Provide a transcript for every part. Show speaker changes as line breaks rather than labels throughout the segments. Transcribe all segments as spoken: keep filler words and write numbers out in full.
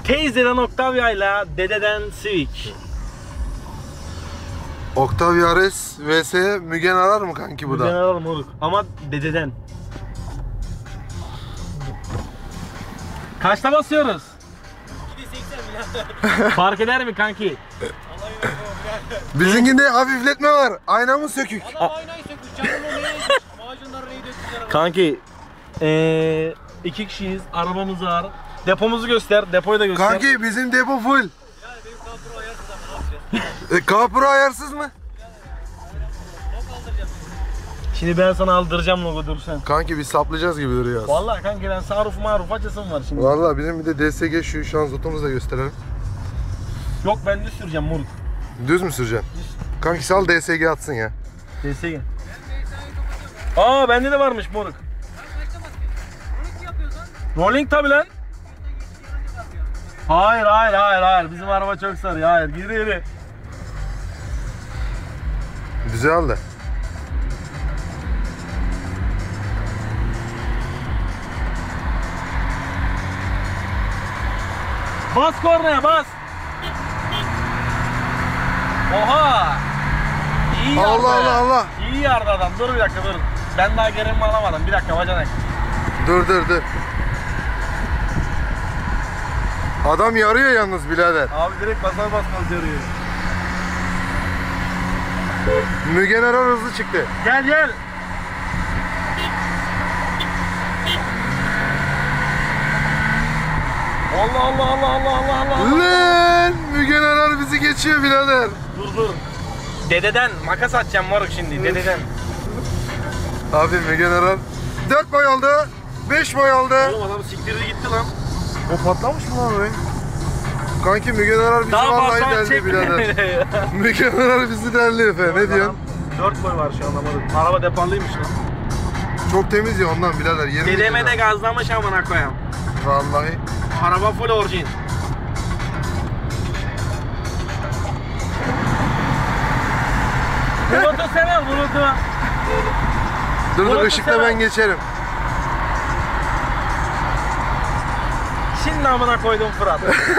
Teyzeden Octavia ile dededen Civic.
Octavia R S vs Mügen Arar mı kanki bu da?
Mügen Arar moruk ama dededen. Kaçta basıyoruz?
iki seksen
Fark eder mi kanki?
Bizimkinde hafifletme var. Aynamız sökük.
Adam aynayı sökmüş. Canım o neye macunları neyi döktüler.
Kanki ee, iki kişiyiz, arabamız var. Depomuzu göster, depoyu da göster.
Kanki bizim depo full.
Yani benim kapro ayarsız ama ne yapacağız?
E, Kapro ayarsız mı?
Nasıl aldıracağız?
Şimdi ben sana aldıracağım logo, dur sen.
Kanki biz saplayacağız gibi duruyor.
Vallahi kanki ben saruf maruf açasım var şimdi.
Vallahi bizim bir de D S G şu şanzıtımızı da gösterelim.
Yok ben düz süreceğim moruk.
Düz mü süreceksin? Kanki sal D S G atsın ya.
D S G. Aa bende de varmış moruk. Rolling tabi lan. Hayır hayır hayır hayır bizim araba çok sarı, hayır geri geri.
Güzel de.
Bas kornaya bas. Oha. İyi yardı.
Allah Allah Allah.
İyi yardı adam, dur bir dakika dur. Ben daha gerilimi alamadım, bir dakika bacanak.
Dur dur dur. Adam yarıyor yalnız birader.
Abi direkt basar basmaz yarıyor.
Mügen Arar hızlı çıktı.
Gel gel. Allah Allah Allah Allah Allah Allah.
Lan Mügen Arar bizi geçiyor birader.
Dur dur. Dededen makas atacağım moruk şimdi, dededen.
Abi Mügen Arar dört boy oldu. beş boy oldu.
Oğlum adam siktirdi gitti lan.
O patlamış mı lan orayı? Kanki Mügen Arar bizi
Daha
vallahi
basar
deldi
çekme.
birader. Mügen Arar bizi deldi Efe. Ne diyorsun?
dört boy var şu anda moruk. Araba depoluymuş lan.
Çok temiz ya ondan birader. Yemin
Dedeme de
ediyorum.
gazlamış amına koyayım.
Vallahi.
Araba full orijin. Bulut'u sever Bulut'u.
Dur dur
Burası
ışıkla
sever.
ben geçerim.
Şimdi amına koydum Fırat.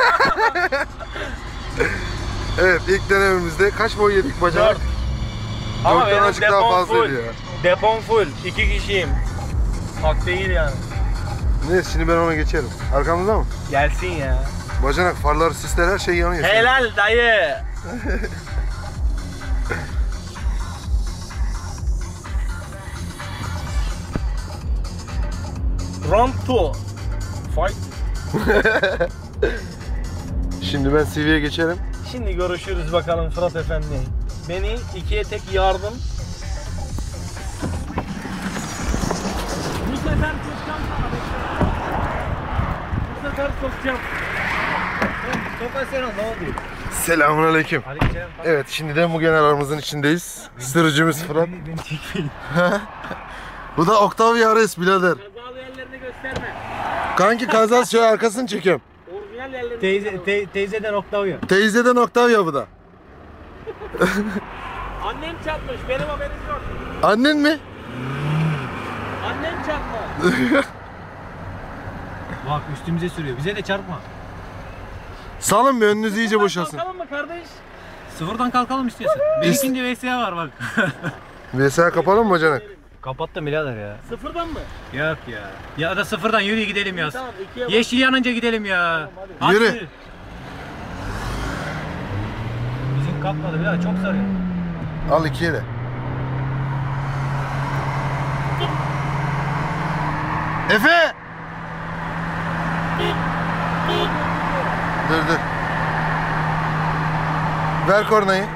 Evet ilk denememizde kaç boy yedik bacanak?
Dört. Ama
Dörtten
benim
azıcık daha
depom
fazlaydı
full.
ya.
Depom full. İki kişiyim. Hak değil yani.
Neyse şimdi ben ona geçerim. Arkamızda mı?
Gelsin ya.
Bacanak, farlar, sisler her şey yanıyor.
Helal dayı. Round two. Fight.
Şimdi ben C V'ye geçerim.
Şimdi görüşürüz bakalım Fırat Efendi. Beni ikiye tek yardım. Bu sefer sokacağım sana. Bu sefer sokacağım.
Sokasyon ne oldu?
Selamünaleyküm.
Aleykümselam.
Evet şimdi de Mügen Arar'ımızın içindeyiz. Sürücümüz Fırat.
Beni çekmeyin.
Bu da Octavia R S birader.
Kazalı yerlerini gösterme.
Kanki kazası şöyle arkasını çekiyorum.
Orijinal yerlerini
Teyze,
gösterme.
te, teyzeden Octavia.
Teyzeden Octavia bu da.
Annem çarpmış, benim haberim yok.
Annen mi?
Annem çarpma.
Bak üstümüze sürüyor. Bize de çarpma.
Salın bir önünüzü iyice boşalsın.
Kalkalım mı kardeş?
Sıfırdan kalkalım istiyorsun. Benimkinde V S A var bak.
V S A kapalı mı bacanak?
Kapattım birader ya.
Sıfırdan mı?
Yok ya. Ya da sıfırdan yürü gidelim ya.
Tamam, ikiye bak.
Yeşil yanınca gidelim ya.
Tamam,
hadi.
Hadi.
Yürü.
Bizim kalkmadı birader, çok sarıyor.
Al ikiye de. Efe! Dur dur. Ver kornayı.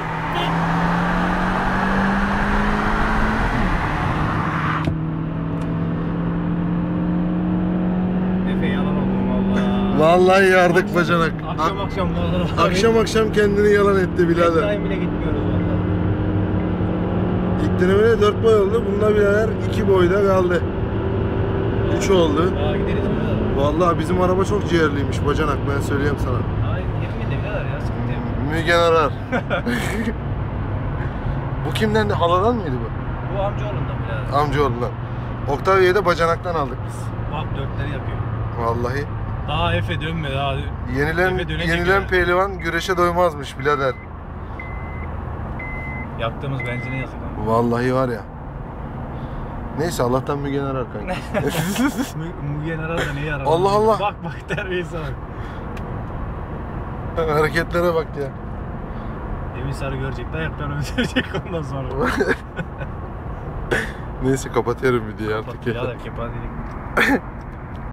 Efe yalan oldum valla.
Vallahi yardık bacanak.
Akşam akşam valla.
Akşam akşam kendini yalan etti birader.
Time bile gitmiyoruz valla.
İlk denemede dört boy oldu. Bunda birader iki boyda kaldı. Üç oldu.
Aa gideriz birader.
Vallahi bizim araba çok ciğerliymiş bacanak, ben söyleyeyim sana.
Ay yemin de birader ya, sıkıntı yok.
Mügen Arar. Bu kimden de, haladan mıydı bu?
Bu amcaoğlundan birader.
Amcaoğlundan. Octavia'yı da bacanaktan aldık biz.
Bak dörtleri yapıyor.
Vallahi.
Daha Efe dönme daha.
Yenilen,
Efe dönecek
yenilen
yani.
pehlivan güreşe doymazmış birader.
Yaktığımız benzine yazık lan.
Vallahi var ya. Neyse Allah'tan Mügen arar kanka.
Mugen arar da neyi arar?
Allah Allah.
Bak bak terbiyesize bak.
Hareketlere bak ya.
Emin Sarı görecek, dayaklarını öldürecek ondan sonra.
Neyse kapatıyorum videoyu artık.
Bak birader kepazelik.